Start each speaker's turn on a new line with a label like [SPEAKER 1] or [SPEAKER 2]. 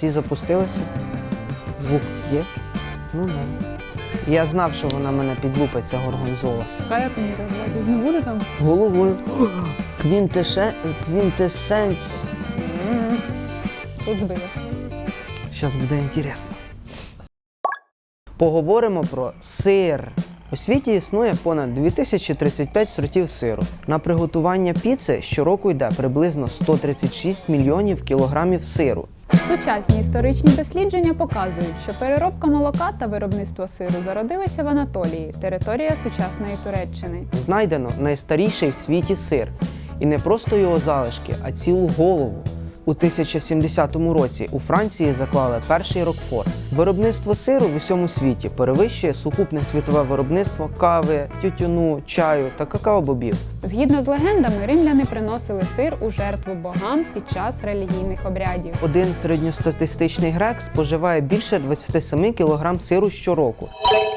[SPEAKER 1] всі запустилися. Звук є? Ну да. Я знав, що вона мене підлупить, ця горгонзола.
[SPEAKER 2] А як мені реагувати? Ж не буде там?
[SPEAKER 1] Головою. Квінтесенс.
[SPEAKER 2] Тут збилась.
[SPEAKER 1] Зараз буде інтересно. Поговоримо про сир. У світі існує понад 2035 сортів сиру. На приготування піци щороку йде приблизно 136 мільйонів кілограмів сиру.
[SPEAKER 2] Сучасні історичні дослідження показують, що переробка молока та виробництво сиру зародилися в Анатолії, територія сучасної Туреччини.
[SPEAKER 1] Знайдено найстаріший в світі сир. І не просто його залишки, а цілу голову. У 1070 році у Франції заклали перший Рокфор. Виробництво сиру в усьому світі перевищує сукупне світове виробництво кави, тютюну, чаю та какао-бобів.
[SPEAKER 2] Згідно з легендами, римляни приносили сир у жертву богам під час релігійних обрядів.
[SPEAKER 1] Один середньостатистичний грек споживає більше 27 кг сиру щороку.